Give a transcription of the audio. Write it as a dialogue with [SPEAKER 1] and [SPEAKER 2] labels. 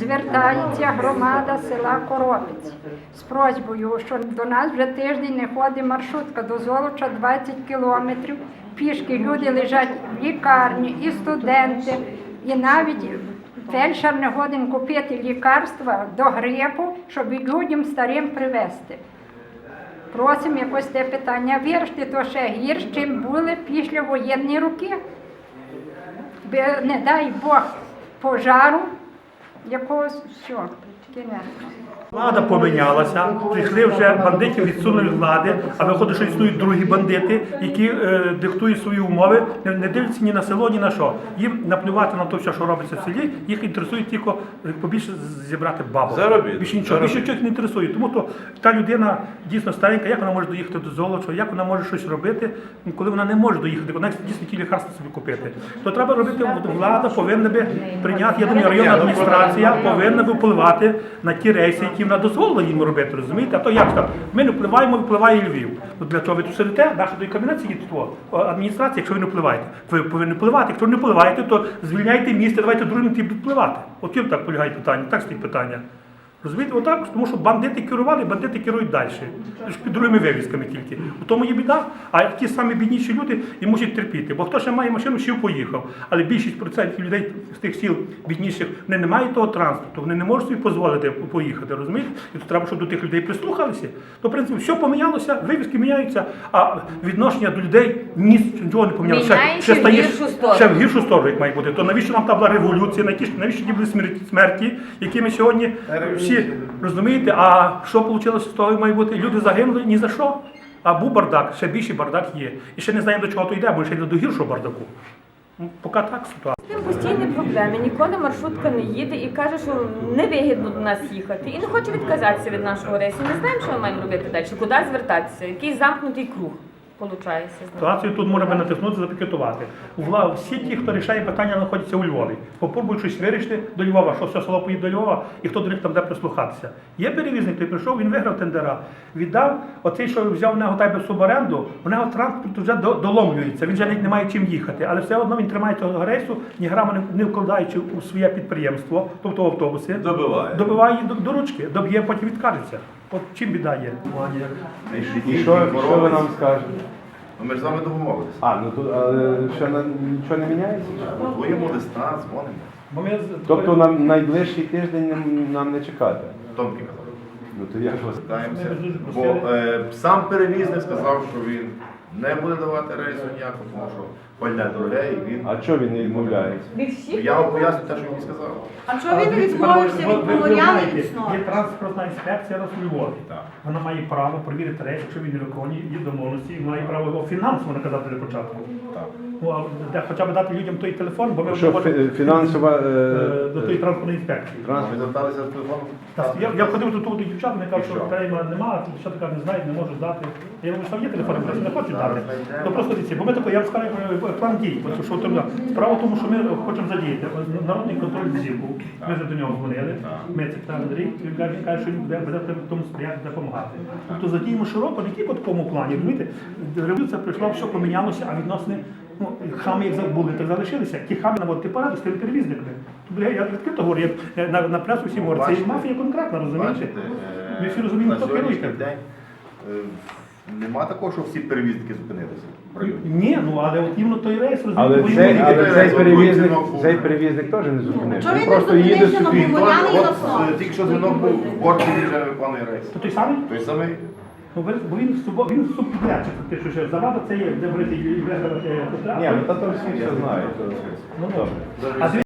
[SPEAKER 1] звертається громада села Коробець з просьбою, що до нас вже тиждень не ходить маршрутка до Золоча 20 кілометрів. Пішки люди лежать в лікарні, і студенти, і навіть фельдшер не годен купити лікарства до грипу, щоб людям старим привезти. Просимо якось те питання вирішити, то ще гірше, чим були після воєнні роки. Не дай Бог пожару якогось, все, кінець.
[SPEAKER 2] Влада помінялася, прийшли вже бандитів, відсунули від влади, а виходить, що існують другі бандити, які диктують свої умови, не дивляться ні на село, ні на що. Їм наплювати на те, все, що робиться в селі, їх інтересує тільки побільше зібрати бабу. Більше нічого, більше чогось не інтересує. Тому то та людина дійсно старенька, як вона може доїхати до Золоча, як вона може щось робити, коли вона не може доїхати, вона дійсно ті лікарства собі купити. То треба робити, влада повинна би прийняти, я думаю, районна адміністрація повинна би впливати на ті рейси, які вона дозволила їм робити, розумієте? А то як так? Ми не впливаємо, впливає Львів. Ну, для чого ви тут сидите? Наша до кабінет сидить адміністрація, якщо ви не впливаєте. Ви повинні впливати. Якщо не впливаєте, то звільняйте місце, давайте другим ті будуть впливати. От чим так полягає питання, так стоїть питання. Розумієте, отак, тому що бандити керували, бандити керують далі. Під другими вивісками тільки. У тому є біда, а ті самі бідніші люди і мусять терпіти. Бо хто ще має машину, ще поїхав. Але більшість процентів людей з тих сіл бідніших, вони не мають того транспорту, вони не можуть собі дозволити поїхати, розумієте? І то треба, щоб до тих людей прислухалися. То, в принципі, все помінялося, вивіски міняються, а відношення до людей нічого не помінялося. Ще в гіршу сторону, як має бути. То навіщо нам та була революція, навіщо ті були смерті, які ми сьогодні всі, розумієте, а що вийшло з того має бути? Люди загинули ні за що, а був бардак, ще більший бардак є. І ще не знаємо, до чого то йде, бо ще йде до гіршого бардаку. Поки так ситуація.
[SPEAKER 3] З тим постійні проблеми, ніколи маршрутка не їде і каже, що невигідно до нас їхати. І не хоче відказатися від нашого рейсу. Не знаємо, що ми маємо робити далі, куди звертатися, який замкнутий круг.
[SPEAKER 2] Ситуацію тут можна натиснути, запікетувати. Всі ті, хто рішає питання, знаходяться у Львові. Попробують щось вирішити до Львова, що все село поїде до Львова, і хто до них там буде прислухатися. Є перевізник, той прийшов, він виграв тендера, віддав, оцей, що взяв в нього тайби суборенду, у нього транспорт вже доломлюється, він вже не має чим їхати, але все одно він тримає цього рейсу, ні грама не вкладаючи у своє підприємство, тобто в автобуси, добиває їх до ручки, доб'є, потім відкажеться. От чим біда є.
[SPEAKER 4] І що ви нам скажете?
[SPEAKER 5] Ми ж з вами домовилися.
[SPEAKER 4] Ну тут ще нічого не міняється?
[SPEAKER 5] Готуємо листа, дзвонимо.
[SPEAKER 4] Тобто на найближчий тиждень нам не чекати?
[SPEAKER 5] Томки казав.
[SPEAKER 4] Ну то я ж вас
[SPEAKER 5] Питаємося. Бо сам перевізник сказав, що він не буде давати рейсу ніякого, тому що пальне дороге і він...
[SPEAKER 4] А чого він не відмовляється?
[SPEAKER 5] Я вам поясню те, що він сказав.
[SPEAKER 6] А чого він не відмовився від Поморяни і Лісного?
[SPEAKER 2] Є транспортна інспекція у Львові. Вона має право перевірити рейс, якщо він не виконує її домовленості, і має право його фінансово наказати для початку. Хоча б дати людям той телефон, бо ми
[SPEAKER 4] що фінансова
[SPEAKER 2] до тої транспортної інспекції.
[SPEAKER 5] Ви зверталися з телефоном?
[SPEAKER 2] Я ходив до дівчат, вони кажуть, що телефона немає, дівчата кажуть, не знають, не можуть дати. Я говорю, що є телефон, просто не хочуть дати. То просто дивіться, бо ми тако, я вам скажу план дій. Справа в тому, що ми хочемо задіяти народний контроль взимку. Ми вже до нього дзвонили. Ми це питали Андрій, він каже, що він буде в тому сприяти, допомагати. Тобто задіємо широко, не тільки в такому плані. Розумієте, революція прийшла, все помінялося, а відносини, хами як були, так залишилися. Ті хами наводити параду з тими перевізниками. Я відкрито говорю, на пресу всім говорю, це мафія конкретна, розумієте? Ми всі розуміємо, хто керує.
[SPEAKER 5] Нема такого, що всі перевізники зупинилися?
[SPEAKER 2] Ні, але от іменно той рейс,
[SPEAKER 4] але цей перевізник теж не зупинився. Він просто їде собі.
[SPEAKER 5] Тільки що дзвінок був в порті, він вже не виконує рейс.
[SPEAKER 2] То той самий?
[SPEAKER 5] Той самий.
[SPEAKER 2] Бо він субпідрядчик, фактично, що завада це є, де брати і виграти.
[SPEAKER 4] Ні, то всі все знають.